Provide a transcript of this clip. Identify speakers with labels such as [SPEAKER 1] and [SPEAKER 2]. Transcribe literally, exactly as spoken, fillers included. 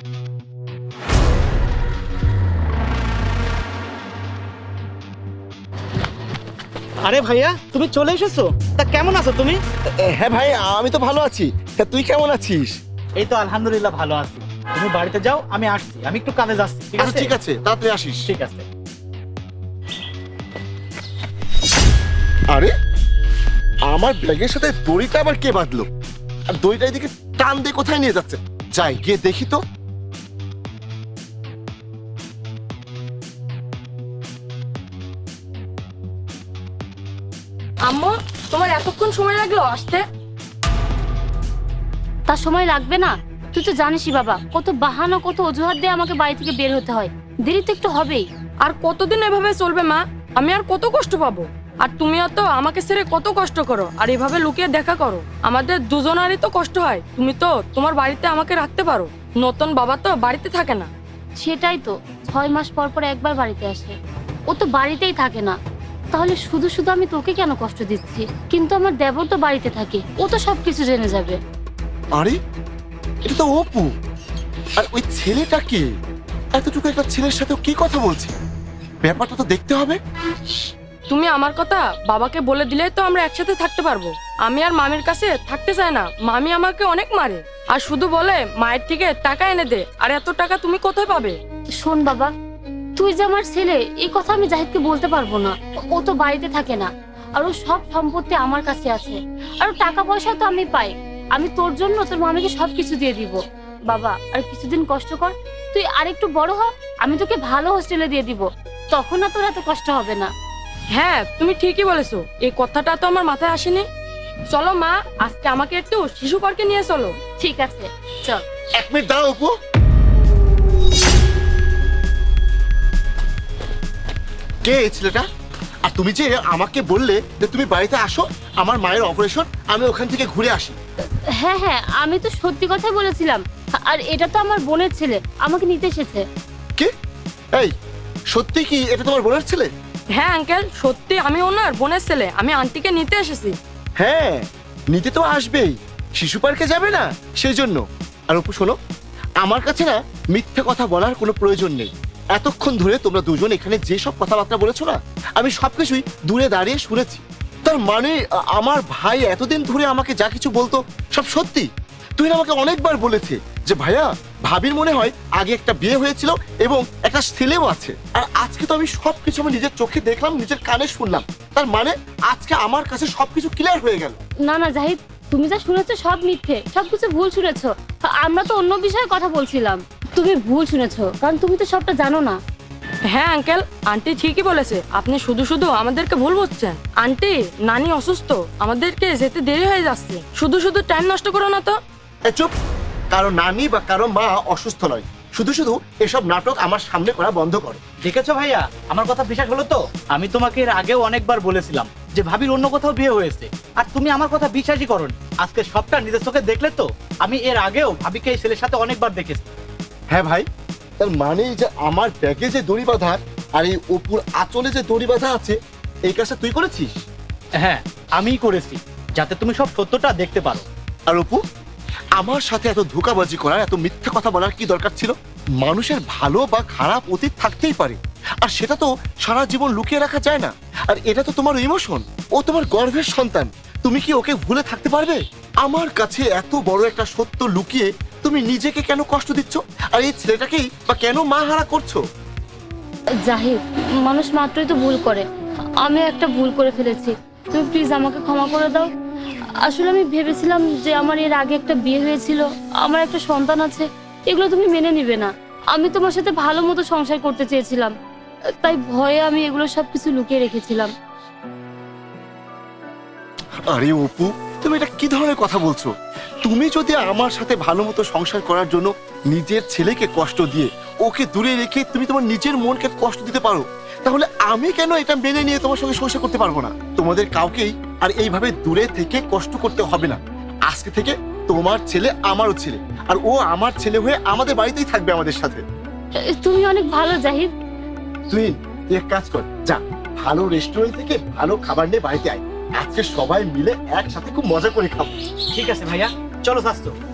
[SPEAKER 1] আরে ভাইয়া, তুমি চলে এসেছো? তা কেমন আছো তুমি?
[SPEAKER 2] হ্যাঁ ভাই, আমি তো ভালো আছি। তা তুই কেমন আছিস?
[SPEAKER 1] এই তো আলহামদুলিল্লাহ ভালো আছি। তুমি বাড়িতে যাও, আমি আসছি। আমি একটু কাজে যাচ্ছি, ঠিক
[SPEAKER 2] আচ্ছা
[SPEAKER 1] আছে?
[SPEAKER 2] ঠিক আছে, তাড়াতাড়ি আসিস।
[SPEAKER 1] ঠিক আছে।
[SPEAKER 2] আরে আমার ব্যাগের সাথে দড়িটা আবার কে বাঁধলো? আর দড়িটা এদিকে টান দিয়ে কোথায় নিয়ে যাচ্ছে? যাই গিয়ে দেখি তো।
[SPEAKER 3] আম্মু, তোমার এতক্ষণ সময় লাগলো আসতে?
[SPEAKER 4] তার সময় লাগবে না? তুই তো জানিসই বাবা, কত বাহানা কত অজুহাত দিয়ে আমাকে বাড়ি থেকে বের হতে হয়। দেরি তো একটু হবেই।
[SPEAKER 3] আর কতদিন এভাবে চলবে মা? আমি আর কত কষ্ট পাবো? আর তুমিও তো আমাকে ছেড়ে কত কষ্ট করো, আর এভাবে লুকিয়ে দেখা করো। আমাদের দুজনারই তো কষ্ট হয়। তুমি তো তোমার বাড়িতে আমাকে রাখতে পারো, নতুন বাবা তো বাড়িতে থাকে না।
[SPEAKER 4] সেটাই তো, ছয় মাস পর পর একবার বাড়িতে আসে। ও তো বাড়িতেই থাকে না, তাহলে শুধু শুধু আমি তোকে কেন কষ্ট দিচ্ছি? কিন্তু আমার দেবর তো বাড়িতে থাকে, ও তো সবকিছু জেনে যাবে।
[SPEAKER 2] আরে এটা তো অপু। আর ওই ছেলেটা কে? এতটুকু একটা ছেলের সাথে কি কথা বলছে? ব্যাপারটা তো দেখতে হবে।
[SPEAKER 3] তুমি আমার কথা বাবাকে বলে দিলেই তো আমরা একসাথে থাকতে পারবো। আমি আর মামির কাছে থাকতে চাই না। মামি আমাকে অনেক মারে, আর শুধু বলে মায়ের থেকে টাকা এনে দে। আর এত টাকা তুমি কোথায় পাবে?
[SPEAKER 4] শোন বাবা, তুই যে আমার ছেলে, এই কথা আমি জাহিদকে বলতে পারবো না। ও তো বাড়িতে থাকে না, আর ও সব সম্পত্তি আমার কাছে আছে। আর টাকা পয়সা তো আমি পাই। আমি তোর জন্য তোর মামিকে সবকিছু দিয়ে দিব। বাবা আর কিছুদিন কষ্ট কর, তুই আরেকটু বড় হ, আমি তোকে ভালো হোস্টেলে দিয়ে দিব। তখন না তোর এত কষ্ট হবে না।
[SPEAKER 3] হ্যাঁ, তুমি ঠিকই বলেছো। এই কথাটা তো আমার মাথায় আসেনি। চলো মা, আজকে আমাকে একটু শিশু পার্কে নিয়ে চলো।
[SPEAKER 4] ঠিক আছে, চল।
[SPEAKER 2] এক মিনিট দাঁড়াও অপু। কে এই ছেলেটা? আর তুমি যে আমাকে বললে যে তুমি বাড়িতে আসো, আমার মায়ের অপারেশন, আমি ওখান থেকে ঘুরে আসি।
[SPEAKER 4] হ্যাঁ হ্যাঁ, আমি তো সত্যি কথাই বলেছিলাম। আর এটা তো আমার বোনের ছেলে, আমাকে নিতে এসেছে।
[SPEAKER 2] কি? এই সত্যি কি এটা তোমার বোনের ছেলে?
[SPEAKER 3] হ্যাঁ আঙ্কেল, সত্যি আমি ওনার বোনের ছেলে। আমি আন্টিকে নিতে এসেছি।
[SPEAKER 2] হ্যাঁ, নিতে তো আসবেই, শিশু পার্কে যাবে না সেই জন্য। আর অপু শোনো, আমার কাছে না মিথ্যে কথা বলার কোনো প্রয়োজন নেই। এতক্ষণ ধরে তোমরা দুজন এখানে যে সব কথাবার্তা বলেছো না, আমি সবকিছুই দূরে দাঁড়িয়ে শুনেছি। তার মানে আ- আমার ভাই এতদিন ধরে আমাকে যা কিছু বলতো সব সত্যি। তুই না আমাকে অনেকবার বলেছে যে ভাইয়া, ভাবির মনে হয় আগে একটা বিয়ে হয়েছিল এবং একটা ছেলেও আছে। আর আজকে তো আমি সবকিছু আমি নিজের চোখে দেখলাম, নিজের কানে শুনলাম। তার মানে আজকে আমার কাছে সবকিছু ক্লিয়ার হয়ে গেল।
[SPEAKER 4] না না জাহিদ, তুমি যা শুনেছো সব মিথ্যে, সবকিছু ভুল শুনেছো। আমরা তো অন্য বিষয়ে কথা বলছিলাম। তুমি ভুল শুনেছো, কারণ তুমি তো সবটা জানো না।
[SPEAKER 3] হ্যাঁ আঙ্কেল, আন্টি ঠিকই বলেছে। আপনি শুধু শুধু আমাদেরকে ভুল বুঝছেন। আন্টি, নানি অসুস্থ, আমাদেরকে যেতে দেরি হয়ে যাচ্ছে। শুধু শুধু টাইম নষ্ট করো না তো।
[SPEAKER 2] এ চুপ! কারো নানি বা কারো মা অসুস্থ নয়, শুধু শুধু এসব নাটক আমার সামনে করা বন্ধ করো।
[SPEAKER 1] দেখেছো ভাইয়া, আমার কথা বিশ্বাস হলো তো? আমি তোমাকে এর আগেও অনেকবার বলেছিলাম যে ভাবির অন্য কোথাও বিয়ে হয়েছে, আর তুমি আমার কথা বিশ্বাসই করোনি। আজকে সবটা নিজের চোখে দেখলে তো। আমি এর আগেও ভাবিকে এই ছেলের সাথে অনেকবার দেখেছি।
[SPEAKER 2] হ্যাঁ ভাই, তার মানে যে আমার ব্যাগে যে দড়ি বাঁধা আর এই অপুর আঁচলে যে দড়ি বাঁধা আছে, এই কাজটা তুই করেছিস?
[SPEAKER 1] হ্যাঁ, আমিই করেছি, যাতে তুমি সব সত্যটা দেখতে পারো।
[SPEAKER 2] আর অপু, আমার সাথে এত ধোঁকাবাজি করার, এত মিথ্যে কথা বলার কি দরকার ছিল? মানুষের ভালো বা খারাপ অতীত থাকতেই পারে, আর সেটা তো সারা জীবন লুকিয়ে রাখা যায় না। আর এটা তো তোমার ইমোশন, ও তোমার গর্ভের সন্তান। তুমি কি ওকে ভুলে থাকতে পারবে? আমার কাছে এত বড় একটা সত্য লুকিয়ে তুমি নিজেকে কেন কষ্ট দিচ্ছ? আর এই ছেলেটাকেই বা কেন মা হারা করছো?
[SPEAKER 4] জাহিদ, মানুষ মাত্রই তো ভুল করে। আমি একটা ভুল করে ফেলেছি, তুমি প্লিজ আমাকে ক্ষমা করে দাও। আসলে আমি ভেবেছিলাম যে আমার এর আগে একটা বিয়ে হয়েছিল, আমার একটা সন্তান আছে, এগুলো তুমি মেনে নিবে না। আমি তোমার সাথে ভালো মতো সংসার করতে চেয়েছিলাম, তাই ভয়ে আমি এগুলো সবকিছু লুকিয়ে রেখেছিলাম।
[SPEAKER 2] আরে অপু, তুমি এটা কি ধরনের কথা বলছো? তুমি যদি আমার সাথে ভালো মতো সংসার করার জন্য নিজের ছেলেকে কষ্ট দিয়ে ওকে দূরে রেখে তুমি তোমার নিজের মনকে কষ্ট দিতে পারো, তাহলে আমি কেন এটা মেনে নিয়ে তোমার সঙ্গে সংসার করতে পারবো না? তোমাদের কাউকেই আর এইভাবে দূরে থেকে কষ্ট করতে হবে না। আজকে থেকে তোমার ছেলে আমারও ছেলে, আর ও আমার ছেলে হয়ে আমাদের বাড়িতেই থাকবে আমাদের সাথে।
[SPEAKER 4] তুমি অনেক ভালো জাহিদ।
[SPEAKER 2] তুই তুই এক কাজ কর, যা ভালো রেস্টুরেন্ট থেকে ভালো খাবার নিয়ে বাড়িতে আয়। আজকে সবাই মিলে একসাথে খুব মজা করে খাবো।
[SPEAKER 1] ঠিক আছে ভাইয়া, চলো স্বাস্থ্য।